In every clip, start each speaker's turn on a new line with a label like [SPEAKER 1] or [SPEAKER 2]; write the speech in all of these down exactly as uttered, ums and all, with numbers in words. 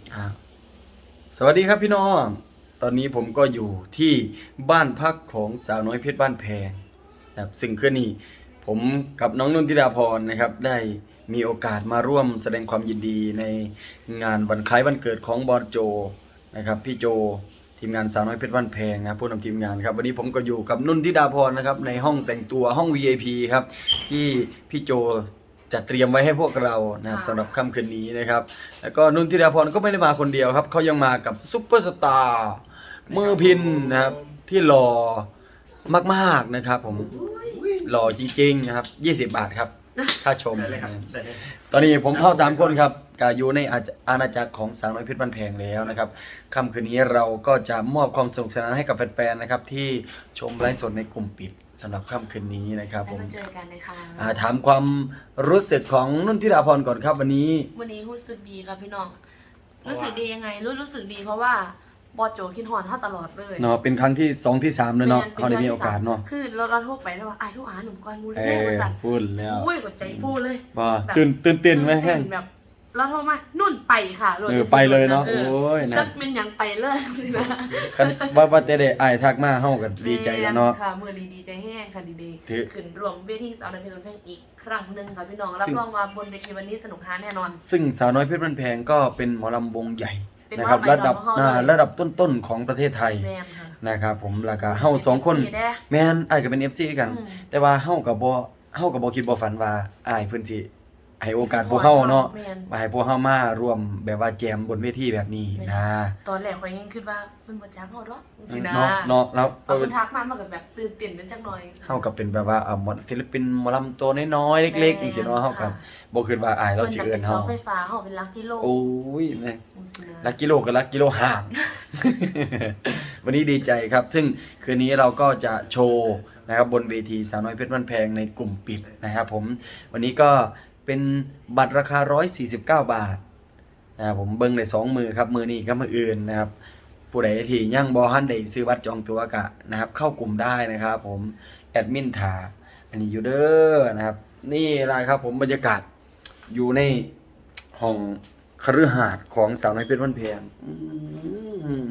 [SPEAKER 1] อ่าสวัสดีครับพี่น้อง ตอนนี้ผมก็อยู่ที่บ้านพักของสาวน้อยเพชรบ้านแพงนะครับซึ่งคืนนี้ผมกับน้องนุ่นธิดาพรนะครับได้มีโอกาสมาร่วมแสดงความยินดีในงานวันคล้ายวันเกิดของบอสโจนะครับพี่โจทีมงานสาวน้อยเพชรบ้านแพงนะผู้นำทีมงานครับวันนี้ผมก็อยู่กับนุ่นธิดาพรนะครับในห้องแต่งตัวห้อง วี ไอ พี ครับที่พี่โจจะเตรียมไว้ให้พวกเรานะครับสำหรับค่ำคืนนี้นะครับแล้วก็นุ่นธิดาพรก็ไม่ได้มาคนเดียวครับเขายังมากับซุปเปอร์สตาร์มือพินนะครับที่หล่อมากๆนะครับผมหล่อจริงๆนะครับยี่สิบบาทครับค่าชมนะครับตอนนี้ผมเข้าสามคนครับกาอยู่ในอาณาจักรของสาวน้อยเพชรบ้านแพงแล้วนะครับค่ำคืนนี้เราก็จะมอบความสนุกสนานให้กับแฟนๆนะครับที่ชมไลฟ์สดในกลุ่มปิดสำหรับค่ำคืนนี้นะครับผม
[SPEAKER 2] ได้มาเจอกันเลยค่ะ
[SPEAKER 1] อ่าถามความรู้สึกของนุ่นธิดาพรก่อนครับวันนี้
[SPEAKER 2] วันนี้รู้สึกดีครับพี่น้อง รู้สึกดียังไง รู้รู้สึกดีเพราะว่าบอสโจคิดหอนเขาตลอดเลย
[SPEAKER 1] เนาะเป็นครั้งที่สองที่สามเลยเนาะ
[SPEAKER 2] แม่
[SPEAKER 1] เขาได้มีโอกาสเนาะ
[SPEAKER 2] คือเราเราโทรไปแล้วว่าไอ้ทุกอาหนุ่มก้อนมูล
[SPEAKER 1] เอ
[SPEAKER 2] แม่
[SPEAKER 1] อบ
[SPEAKER 2] ริษัท
[SPEAKER 1] พูดแล้ว
[SPEAKER 2] อุ้ยหัวใจฟูเลย
[SPEAKER 1] ว่า
[SPEAKER 2] แบบ
[SPEAKER 1] ตื่นตื่นเต้นไหมแห้ง
[SPEAKER 2] แบบเราโทรมานุ่นไปค่ะโหลด
[SPEAKER 1] เออ
[SPEAKER 2] จะซื้อ
[SPEAKER 1] ไปเลยเนาะ
[SPEAKER 2] ออ
[SPEAKER 1] โอ้ยนะ
[SPEAKER 2] จะเป็นอย่างไปเลยสินะ
[SPEAKER 1] คันว่าว่าแต่ได้อ้ายทักมาเฮาก็ดีใจแล้วเนาะ
[SPEAKER 2] แม่ค่ะมือดีดีใจแห้งค่ะดีดี
[SPEAKER 1] ถือ
[SPEAKER 2] ขึ้นรวมเวทีสาวน้อยเพชรบ้านแพงอีกครั้งหนึ่งค่ะพี่น้องรับ
[SPEAKER 1] ซึ่ง
[SPEAKER 2] รองว่าบนเวทีวันนี้สนุกฮาแน่นอน
[SPEAKER 1] ซึ่งสาวน้อยเพชรบ้านแพงก็เป็นหมอลำวงใหญ่
[SPEAKER 2] เป็น
[SPEAKER 1] นะครับ
[SPEAKER 2] หมอลำ
[SPEAKER 1] ระดับ
[SPEAKER 2] ของเขาเลย
[SPEAKER 1] อ่าระดับต้นๆของประเทศไทย
[SPEAKER 2] แม่นค่ะ
[SPEAKER 1] นะครับผมแล้วก็เฮาสองคน
[SPEAKER 2] เป็น เอฟซี เด้
[SPEAKER 1] แม่นอ้ายก็เป็น เอฟ ซี กัน
[SPEAKER 2] อืม
[SPEAKER 1] แต่ว่าเฮาก็บ่เฮาก็บ่คิดบ่ฝันว่าอ้ายเพิ่นสิให้โอกาสพวกเฮาเนาะ
[SPEAKER 2] แม่น
[SPEAKER 1] มาให้พวกเฮามารวมแบบว่าแจมบนเวทีแบบนี้นะ
[SPEAKER 2] ตอนแรกข่อยยังคิดว่าเพิ่นบ่จ้างเฮาดอกจังซี่นะ
[SPEAKER 1] เนาะเนาะแล้ว
[SPEAKER 2] พอเพิ่นทักมามันก็แบบตื่นเต้นเป็นจักหน่อย
[SPEAKER 1] เฮาก็เป็นแบบว่าเอ่อหมอศิลปินหมอลำตัวน้อยๆเล็กๆจังซี่เนาะเฮาก็บ่คิดว่าอายเราสิเอิ้น
[SPEAKER 2] เฮา
[SPEAKER 1] เฮา
[SPEAKER 2] เพิ่นจะเป็นเสาไฟฟ้าเฮาเป็นลักกิโล
[SPEAKER 1] โอ้ยแม่
[SPEAKER 2] จังซี่นะ
[SPEAKER 1] ลักกิโลก็ลักกิโลห่าง วันนี้ดีใจครับ ซึ่งคืนนี้เราก็จะโชว์นะครับบนเวทีสาวน้อยเพชรบ้านแพงในกลุ่มปิดนะครับผมวันนี้ก็เป็นบัตรราคาหนึ่งร้อยสี่สิบเก้าบาทนะครับผมเบิ่งได้สองมือครับมือนี้กับมืออื่นนะครับผู้ใดที่ยังบ่ทันได้ซื้อบัตรจองตั๋วกะนะครับเข้ากลุ่มได้นะครับผมแอดมินถาอันนี้อยู่เด้อนะครับนี่ล่ะครับผมบรรยากาศอยู่ในห้องคฤหาสน์ของสาวน้อยเพชรบ้านแพงอืม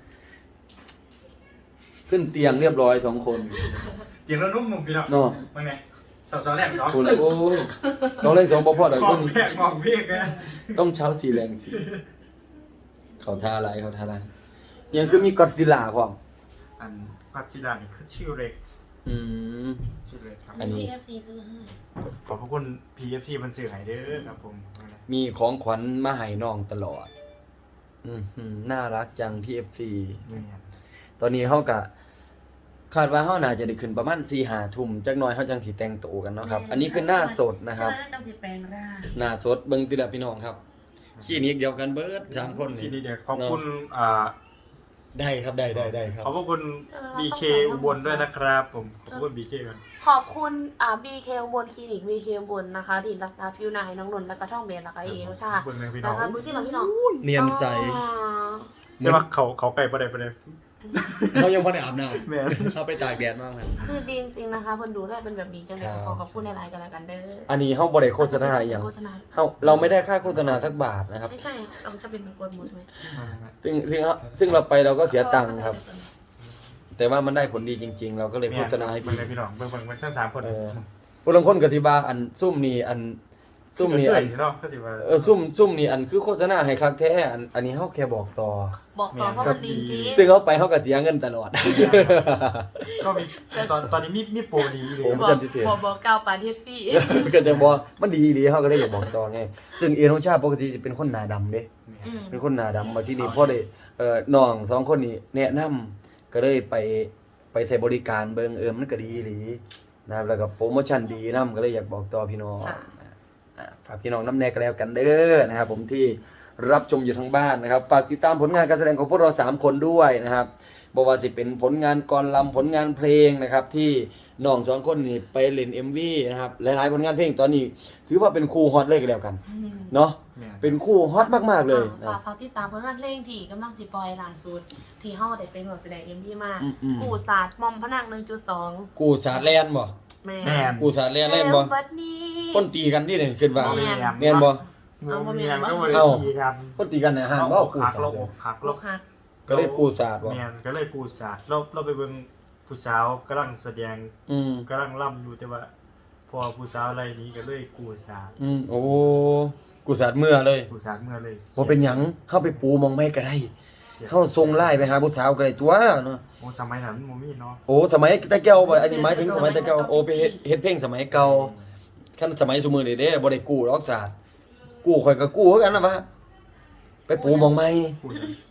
[SPEAKER 1] ขึ้นเตียงเรียบร้อยสองคน
[SPEAKER 3] เดี๋ยวเรานุ่มนุ่มพี่น้อง
[SPEAKER 1] เนาะ
[SPEAKER 3] มึงไงสองสองแรกสอง
[SPEAKER 1] คุณโอ้ยสองเล่นสองบ่พอดอก
[SPEAKER 3] ม
[SPEAKER 1] ค
[SPEAKER 3] อง
[SPEAKER 1] นนี้
[SPEAKER 3] เพียกมองเพียกนะ
[SPEAKER 1] ต้องเช้าสีแรงสีเขาท่าอะไรเขาท่าอะไรยังคือมีก็อดซิลล่าพร้อม
[SPEAKER 3] อันพัชดานี่คือชื่อเล็ก
[SPEAKER 1] อืม
[SPEAKER 3] ชื่อเล็กครับ
[SPEAKER 1] อันนี้
[SPEAKER 2] พี เอฟ ซี ซื้อให้
[SPEAKER 3] ขอบพระคุณ พี เอฟ ซี มันสื่อให้เด้อครับผม
[SPEAKER 1] มีของขวัญมาให้น้องตลอด อืมหืมน่ารักจังพี่ เอฟ ซี
[SPEAKER 3] ไม่งั้น
[SPEAKER 1] ตอนนี้เฮาก็คาดว่าเฮาน่าจะได้ขึ้นประมาณ สี่ห้า ทุ่มจักหน่อยเฮาจังสิแต่งตัวกันเนาะครับ อันนี้คือหน้าสดนะครับ
[SPEAKER 2] จะได้จังสิแปลงร่าง
[SPEAKER 1] หน้าสดเบิ่งติละพี่น้องครับคลินิกเดียวกันเบิดสามคน
[SPEAKER 3] ที
[SPEAKER 1] นี่
[SPEAKER 3] นี้เดี๋ยวขอบคุณอ่า
[SPEAKER 1] ได้ครับได้ได้ได้ครับ
[SPEAKER 3] ขอบพระคุณ บี เค อุบลด้วยนะครับผมขอบคุณ บี เค ก่อน
[SPEAKER 2] ขอบคุณอ่า บี เค อุบลคลินิก บี เค อุบลนะคะที่รักษาผิวหน้าให้น้องนนท์แล้วก็ท่องเบนแล้วก็เอโรชา
[SPEAKER 3] เบิ่งเลยพี่น้อ
[SPEAKER 2] นะ
[SPEAKER 3] ง
[SPEAKER 2] คะมื้อที่เราพี่น้อง
[SPEAKER 1] เนียนใส
[SPEAKER 2] อ๋อ
[SPEAKER 3] แต่ว่าเขาเขาไก่ประเดี๋ยวประเดี๋ยว
[SPEAKER 1] เขายังพอได้อาบน้
[SPEAKER 3] แม่
[SPEAKER 1] ำเขาไปตากแดดมากครับ
[SPEAKER 2] คือดีจริงๆนะคะคนดูได้เป็นแบบนี้จังเลย
[SPEAKER 1] ครับ
[SPEAKER 2] ขอขอบคุณในไลน์กันแล้วกันเด้อ
[SPEAKER 1] อันนี้เฮาบ่ได้โฆษณาอหย่าง
[SPEAKER 2] โฆษณา
[SPEAKER 1] เฮาเราไม่ได้ค่าโฆษณาสักบาทนะครับ
[SPEAKER 2] ไม่ใช่เราจะเป็นกวนหมดไหม
[SPEAKER 1] ซึ่งซึ่งซึ่งเราไปเราก็เสียตังค์ครับ แต่ว่ามันได้ผลดีจริง ๆ เราก็เลยโฆษณาให้
[SPEAKER 3] เบิ่ง
[SPEAKER 1] พี่
[SPEAKER 3] เลยพี่น้องเบิ่งเบิ่งเบิ่งทั้งสามคน
[SPEAKER 1] เออ ผู้ลางคนก็สิว่าอันซุ่มนี่อันซุ่มนี่อัน
[SPEAKER 3] เนาะก็สิว่า
[SPEAKER 1] เออซุ่มซุ่มนี่อันคือโฆษณาให้คักแท้อันอันนี้เฮาแค่บอกต่อ
[SPEAKER 2] บอกต่อเพราะมันดีจริง
[SPEAKER 1] ซึ่งเขาไปเขาก็เสียเงินตลอด
[SPEAKER 3] ก็มีตอนตอนนี้มีมีโปรดีเลย
[SPEAKER 1] ผม
[SPEAKER 2] บอก
[SPEAKER 1] จำที่เถียง
[SPEAKER 2] บอกบอกเก้าปาเทสฟี่
[SPEAKER 1] ก็จะบอกมันดีดีเขาก็เลยอยากบอกต่อไงซึ่งเอโนชาปกติจะเป็นคนหน้าดำเด้
[SPEAKER 2] อืม
[SPEAKER 1] เป็นคนหน้าดำมาที่นี่พ่อได้เอ่อน้องสองคนนี้แนะนำก็เลยไปไปใช้บริการเบิ่งเออมันก็ดีอีหลีนะครับแล้วก็โปรโมชั่นดีนํก็เลยอยากบอกต่อพี่น้องอ่าฝากพี่น้องน้ำแน่ก็แล้วกันเด้อนะครับผมที่รับชมอยู่ทางบ้านนะครับฝากติดตามผลงานการแสดงของพวกเราสามคนด้วยนะครับบ่ว่าสิเป็นผลงานกรลำผลงานเพลงนะครับที่น้องสองคนนี่ไปเล่น เอ็ม วี นะครับหลายๆผลงานเพลงตอนนี้ถือว่าเป็นคู่ฮอตเลยก็แล้วกัน
[SPEAKER 2] อืม
[SPEAKER 1] เนาะเป็นคู่ฮอตมากๆเลย
[SPEAKER 2] ฝากฝากติดตามผลงานเพลงที่กำลังสิปล่อยล่าสุดที่เฮาได้เป็นแบบแสดง เอ็ม วี มา
[SPEAKER 1] อืมๆ
[SPEAKER 2] กูศาสตร์มอมพนัง หนึ่งจุดสอง
[SPEAKER 1] กูสาดแลนบ่
[SPEAKER 2] แม่
[SPEAKER 3] แม่น
[SPEAKER 1] กูสาดแลนเล่นบ่
[SPEAKER 2] บัดนี้
[SPEAKER 1] คนตีกันที่นี่คิดว่า
[SPEAKER 2] แม่น
[SPEAKER 1] แม่นบ่
[SPEAKER 2] เอาบ่
[SPEAKER 3] มี
[SPEAKER 2] มี
[SPEAKER 3] งาน
[SPEAKER 2] บ่
[SPEAKER 3] ก็บริตีกัน
[SPEAKER 1] คนตีกันในห้าง
[SPEAKER 3] เรา
[SPEAKER 1] ว่า
[SPEAKER 3] อก
[SPEAKER 1] กู
[SPEAKER 3] หัก
[SPEAKER 1] สา
[SPEAKER 3] เรา
[SPEAKER 1] ด
[SPEAKER 3] อกหัก
[SPEAKER 2] ลู
[SPEAKER 3] เรา
[SPEAKER 2] กหัก
[SPEAKER 1] ก็เลยกูสาดว่ะ
[SPEAKER 3] เมียนก็เลยกูศาสตร์เราเราไปเบิ่งผู้สาวกำลังแสดง
[SPEAKER 1] อืม
[SPEAKER 3] กำลังล่ำอยู่แต่ว่า พอผู้สาวอะไรนี้ก็เลยกูศาสตร์
[SPEAKER 1] อืมโอ้กูสาดเมื่อเลย
[SPEAKER 3] กูศาสตร์เมื่อเลย
[SPEAKER 1] บ่เป็นหยังเฮาไปปูมองไม่ก็ได้
[SPEAKER 3] เสีย
[SPEAKER 1] เฮาส่งไลน์ไปหาผู้สาวก็ได้ตัวเนาะ
[SPEAKER 3] โอ้สมัยนั้นมันบ่มีเนาะ
[SPEAKER 1] โอ้สมัยตะเกียวบ่อันนี้หมายถึงสมัยตะเกียวโอ้ไปเฮ็ดเฮ็ดเพลงสมัยเก่าคันสมัยซุมื้อนี้เด้บ่ได้กู้หรอกศาสตร์กู้ข่อยก็กู้คือกันนะวะไปปูมองไม่
[SPEAKER 3] พูด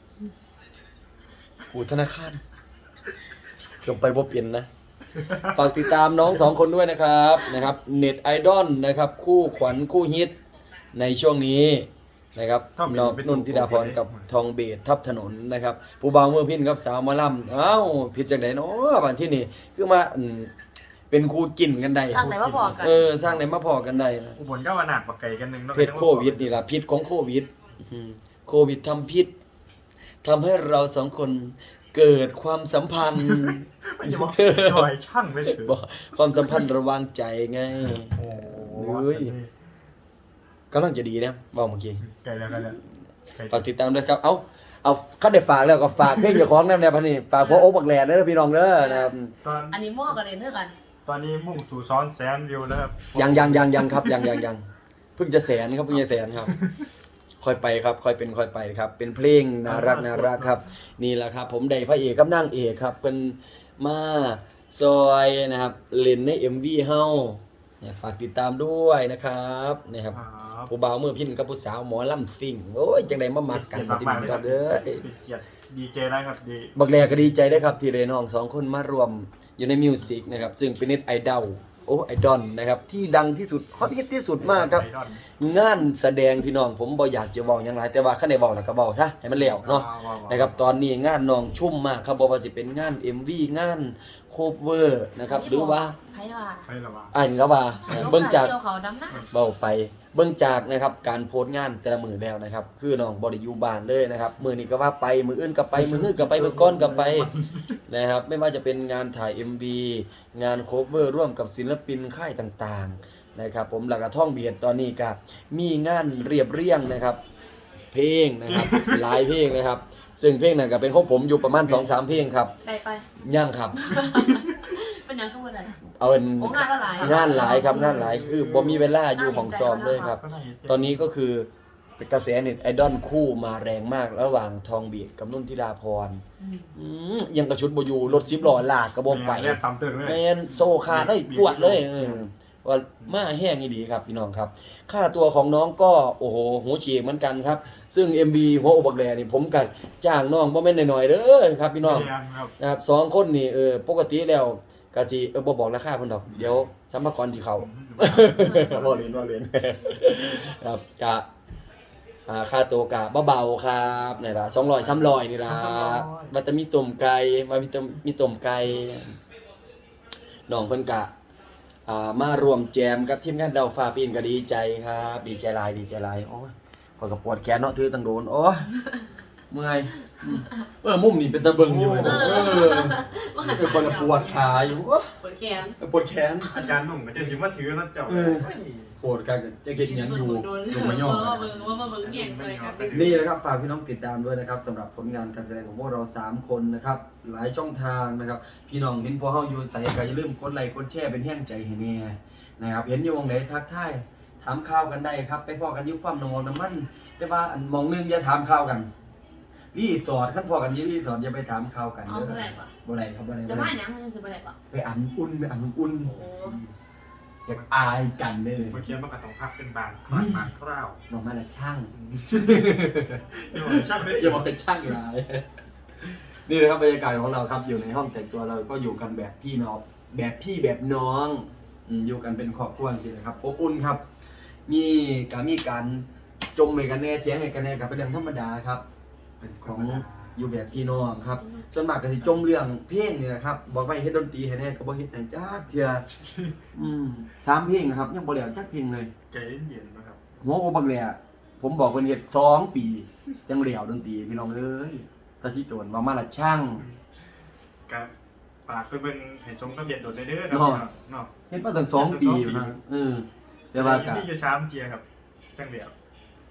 [SPEAKER 1] กู้ธนาคารเกือบไปบ่เป็นนะ ฝากติดตามน้องสองคนด้วยนะครับนะครับเน็ตไอดอลนะครับคู่ขวัญคู่ฮิตในช่วงนี้นะครับน้องนุ่นธิดาพรกับทองเบสทับถนนนะครับผู้บ่าวเมื่อพินกับสาวหมาล่ำเอ้าผิดจากไหนเนาะบ้านที่นี่คือมาอืมเป็นคู่จิ้นกันได้
[SPEAKER 2] สร้างไหนมาบอกกัน
[SPEAKER 1] เออสร้างไหนมาพอกันได้นะ
[SPEAKER 3] อุบลก็ว่าหนักปากไก่กันหนึงเนาะ
[SPEAKER 1] เพศโควิดนี่ล่ะพิษของโควิดอืมโควิดทำพิษทำให้เราสองคนเกิดความสัมพันธ์
[SPEAKER 3] ไม่จะบอกจะบอกให้ช่างไม่ถือ
[SPEAKER 1] บอกความสัมพันธ์ระหว่างใจไง
[SPEAKER 3] โอ้โห
[SPEAKER 1] เฮ้ย กำลังจะดีนะบอกเมื่อกี้
[SPEAKER 3] ไก่แล้วไก่แล้วไก่
[SPEAKER 1] ฝากติดตามด้วยครับ เอาเอาขั้นได้ฝากแล้วก็ฝากเพลงเจ้าของนั่นแหละพันนี่ฝากพ่อโอ๊คบักแหลนเด้อพี่น้องเด้อนะครับ
[SPEAKER 3] ตอน
[SPEAKER 2] อันนี้มั่วกันเลยเท่ากัน
[SPEAKER 3] ตอนนี้มุ่งสู่ซ้อนแสนวิวแล้วครับ
[SPEAKER 1] ยังยังยังยังครับยังยังยังเพิ่งจะแสนครับเพิ่งจะแสนครับ ค่อยไปครับค่อยเป็นค่อยไปครับ เป็นเพลงน่ารักน่ารักครับ นี่แหละครับ ผมได้พระเอกกับนางเอกครับเป็นมาซอยนะครับเล่นใน เอ็ม วี เฮาเนี่ยฝากติดตามด้วยนะครับนะครับ
[SPEAKER 3] ครับ
[SPEAKER 1] ผู้บ่าวมือพินกับผู้สาวหมอลำซิ่งโอ้ยจังไดมามักกัน
[SPEAKER 3] เกียรติ
[SPEAKER 1] ที่
[SPEAKER 3] มาก
[SPEAKER 1] นี่
[SPEAKER 3] ๆเลย
[SPEAKER 1] ค
[SPEAKER 3] ค
[SPEAKER 1] รั
[SPEAKER 3] รั
[SPEAKER 1] บบ เด้อ
[SPEAKER 3] เกียรติดีเจนะครับดี
[SPEAKER 1] บักแลก็ดีใจได้อครับที่ได้น้องสองคนมารวมอยู่ในมิวสิกนะครับซึ่งเป็นเน็ตไอดอลโอ้ไอดอลนะครับที่ดังที่สุดฮอตฮิตที่สุดมากครับ
[SPEAKER 3] ไอดอล
[SPEAKER 1] งานแสดงพี่น้องผมบ่อยากจะบอกอย่างไรแต่ว่าคันได้บอกแล้วก็บอกซะให้มันแล้วเนาะ
[SPEAKER 3] ว้าวๆๆ
[SPEAKER 1] นะครับตอนนี้งานน้องชุ่มมากครับบ่ว่าสิเป็นงาน เอ็ม วี งานโคเวอร์นะครับหรือว่า
[SPEAKER 2] ไพ่ว่า
[SPEAKER 3] ไปแล้ววะ
[SPEAKER 1] อ่านก็ว่าเบิ่งจาก
[SPEAKER 2] เกี่ยวเขาดำหน้า
[SPEAKER 1] เบาไปเบื้องจากนะครับการโพสต์งานแต่ละมือแล้วนะครับคือน้องบริยูบานเลยนะครับมือนี้ก็ว่าไปมืออื่นก็ไปมือฮื้อก็ไปมือก้อนก็ไปนะครับไม่ว่าจะเป็นงานถ่าย เอ็ม วี งานโคเวอร์ร่วมกับศิลปินค่ายต่างๆนะครับผมหลักท่องเบียดตอนนี้ก็มีงานเรียบเรียงนะครับเพลงนะครับ หลายเพลงนะครับ ซึ่งเพลงนั้นก็เป็นของผมอยู่ประมาณ สองสาม เพลงครับ
[SPEAKER 2] ได้ไป
[SPEAKER 1] ย่างครับ
[SPEAKER 2] เป็นยังขึ้นมาเลย
[SPEAKER 1] เอาเป็น
[SPEAKER 2] โอ้งานละหลาย
[SPEAKER 1] งานหลายครับงานหลายคือบ่มีเวลาอยู่ของซ้อมเลยครับ ตอนนี้ก็คือเป็นกระแสเน็ตไอดอลคู่มาแรงมากระหว่างทองเบียดกับนุ่นธิดาพร
[SPEAKER 2] อืม
[SPEAKER 1] อืมยังกระชุดบอยู่รถซิบล้อลากกระบอกไป
[SPEAKER 3] เรียกตามตึงเลย
[SPEAKER 1] แมนโซคาได้จวดเลยเออว่ามาแห้งอีดีครับพี่น้องครับ ค่าตัวของน้องก็โอ้โหหูฉีกเหมือนกันครับ ซึ่ง เอ็ม วี หัวอกบักแหลนี่ผมก็จ้างน้องบ่แม่นน้อยๆเด้อครับพี่น้อง
[SPEAKER 3] ไม่ได้ครับ
[SPEAKER 1] นะครับสองคนนี่เออปกติแล้วก็สิเออบ่บอกราคาเพิ่นดอกเดี๋ยวสัมภาระที่เขา บ่เล่นบ่เล่น ครับกะอ่าค่าตัวกะเบาๆครับนี่ล่ะสองร้อย สามร้อยนี่ล่ะว่าแต่มีต้มไก่มามีต้มมีต้มไก่น้องเพิ่นกะอ่ามารวมแจมกับทีมงานดาวฟ้าปีนก็ดีใจครับ ดีใจหลายดีใจหลายโอ้ยข้อยก็ปวดแขนเนาะถือตั้งโดนโอ้ยเมื่อยอืมเออมุมนี่เป็นตะเบิงอยู่เออเป็นคนละปวดขาอยู่โอ้ย
[SPEAKER 2] ปวดแขน
[SPEAKER 1] ปวดแขน
[SPEAKER 3] อาจารย์หนุ่มก็จะสิมาถือแล้วเจ้า
[SPEAKER 1] เออ ปวดกันจะเก็บหยังอยู่
[SPEAKER 2] โดน
[SPEAKER 1] ลงมาย่อ
[SPEAKER 2] ว่าเบิ่งว่ามาเบิ่งแย่งอะไรกัน
[SPEAKER 1] นี่นะครับฝากพี่น้องติดตามด้วยนะครับสำหรับผลงานการแสดงของพวกเราสามคนนะครับหลายช่องทางนะครับพี่น้องเห็นพอเฮาอยู่ใส่ก็อย่าลืมกดไลค์กดแชร์เป็นแห้งใจให้แน่นะครับเห็นอยู่วงไหนทักทายถามข่าวกันได้ครับไปพอกันอยุคความนองน้ำมันแต่ว่าอันมองนึงอย่าถามข่าวกันรีสอร์ทขั้นพอกันอยี่รีสอร์ทอย่าไปถามข่าวกัน
[SPEAKER 2] เอา
[SPEAKER 1] เด้อ
[SPEAKER 2] เท่าไหร่ปะ
[SPEAKER 1] บ่ได้ครับบ่ได้
[SPEAKER 2] จะ
[SPEAKER 1] บ่
[SPEAKER 2] มา
[SPEAKER 1] ได้
[SPEAKER 2] หยังมันจะไปไหนปะ
[SPEAKER 1] ไปอันอุ่นไปอันอุ่น
[SPEAKER 2] โอ้
[SPEAKER 1] อยากอายกันเด้อ
[SPEAKER 3] เมื่อกี้มันก็ต้องพักเป็นบางบางบางคร่าว
[SPEAKER 1] น้องมาละช่าง
[SPEAKER 3] เดี๋ยวช่างได้
[SPEAKER 1] อย่ามาเป็นช่างร้าย นี่นะครับบรรยากาศของเราครับอยู่ในห้องแต่งตัวเราก็อยู่กันแบบพี่น้องแบบพี่แบบน้องอืมอยู่กันเป็นครอบครัวจริงๆนะครับอบอุ่นครับ มีการมีการจมให้กันแน่เถียงให้กันแน่กับเป็นเรื่องธรรมดาครับเป็นของอยู่แบบพี่น้องครับส่วนมากก็สิจมเรื่องเพลงนี่นะครับบอกไปเฮ็ดดนตรีให้แน่ก็บ่เฮ็ดหยังจักเทื่ออืมสามเพลงนะครับยังบ่แล้วจักเพลงเลย
[SPEAKER 3] ใจเย็นๆนะครับ
[SPEAKER 1] หัวโอบักแหล่ผมบอกเพิ่นเฮ็ดสองปี จังเหลียวดนตรีพี่น้องเอ้ยตาสิโตนว่ามาละช่าง
[SPEAKER 3] ก็ฝากไปเบิ่งให้ชมกับเบียดโดดได้เด้อครับ
[SPEAKER 1] เนาะ
[SPEAKER 3] เนาะ
[SPEAKER 1] เฮ็ดมาตั้งสองปีอยู่นะเออแต่ว่าก็
[SPEAKER 3] มีอยู่สามเทียครับจังเดียว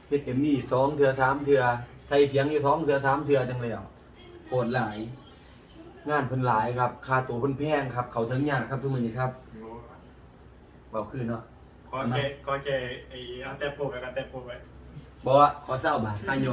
[SPEAKER 1] เฮ็ดเอ็มนี่สองเทื่อสามเทื่อไทยเถียงอยู่สองเทื่อสามเทื่อจังแล้วโหดหลาย งานเพิ่นหลายครับค่าตัวเพิ่นแพงครับ เขาถึงยากครับทุกมื้อนี้ครับเว้าคือเนาะ
[SPEAKER 3] ขอแกขอแกไอ้เอาแต่ปลูกกับแต่ปลูกไว้
[SPEAKER 1] บ่ว่าขอเศร้าบาทค่ายอม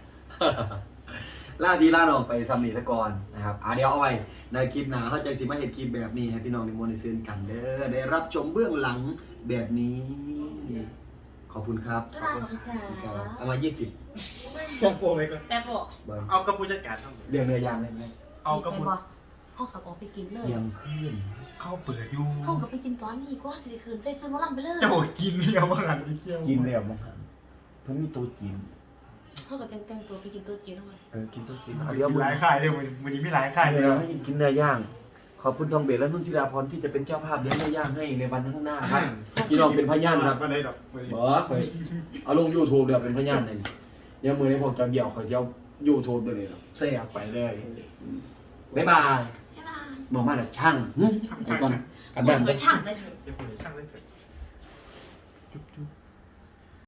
[SPEAKER 1] ลาพี่ลาน้องไปทำนี่ซะก่อนนะครับอ่ะเดี๋ยวเอาไว้ในคลิปหน้าเขาจะสิมาเฮ็ดคลิปแบบนี้ให้พี่น้องในมวลได้ซื้อกันเด้อได้รับชมเบื้องหลังแบบนี้ ขอบคุณครับ
[SPEAKER 2] ก็ได้ขอบคุณค่ะ
[SPEAKER 1] เอามายี่สิบ
[SPEAKER 3] ปลูกปลูกไว้ก่อน
[SPEAKER 2] แป๊บบอก
[SPEAKER 1] บอย
[SPEAKER 3] เอากระปุกจัดการทำ
[SPEAKER 1] เรื่องเนื้อย่างได้ไหม
[SPEAKER 3] เอากระ
[SPEAKER 2] ไป
[SPEAKER 3] ปุก
[SPEAKER 2] บอกห้องกับออกไปกินเลย
[SPEAKER 1] เที่ยงคืน
[SPEAKER 3] เข้าเปิดอยู่
[SPEAKER 2] ห้องกับไปกินตอนนี้ก็สิได้คืนใส่ชุดหมอลำไปเลย
[SPEAKER 3] เจ้ากินเดียวบ้างอันนี้เกี่ยว
[SPEAKER 1] กินแล้วมั้งครับเพิ่นมีโต๊ะจีน
[SPEAKER 2] ห้องกับจังแต่งตัวไปกินตัวจีนทั้งวัน
[SPEAKER 1] เออกินโต๊ะจีน
[SPEAKER 3] เอา
[SPEAKER 1] เอา
[SPEAKER 3] เดี๋
[SPEAKER 1] เดี๋
[SPEAKER 3] ย
[SPEAKER 1] ยว ว
[SPEAKER 3] มื
[SPEAKER 1] มื้
[SPEAKER 3] อ
[SPEAKER 1] อ
[SPEAKER 3] หลาย
[SPEAKER 1] นี้
[SPEAKER 3] ค่ายเลยวันนี้วันนี้ไม่หลายค่ายเลย
[SPEAKER 1] เดี๋ยวให้กินเนื้อย่าง ขอบคุณทองเบลและนุ่นธิดาพรที่จะเป็นเจ้าภาพเลี้ยงเนื้อย่างให้ในวันข้างหน้าครับ พี่น้องเป็นพยานครับ
[SPEAKER 3] ไม่ได้ดอกไม่ได้
[SPEAKER 1] บอสเคยเอาลง YouTube เดี๋ยวเป็นพยานเลยเดี๋ยวมือนี้ผมจะเดี่ยวขอยเที่ยว YouTube ไปเลยแซ่บไปเลยบ๊ายบาย
[SPEAKER 2] บ๊ายบาย
[SPEAKER 1] บอกมาแต่ช่างหึไอ้ก่อนกันแบบ
[SPEAKER 2] เหมือนช่างได้เถอะ
[SPEAKER 3] เดี๋ยวผมจะช่างได้เถอะจุ๊บจุ๊บ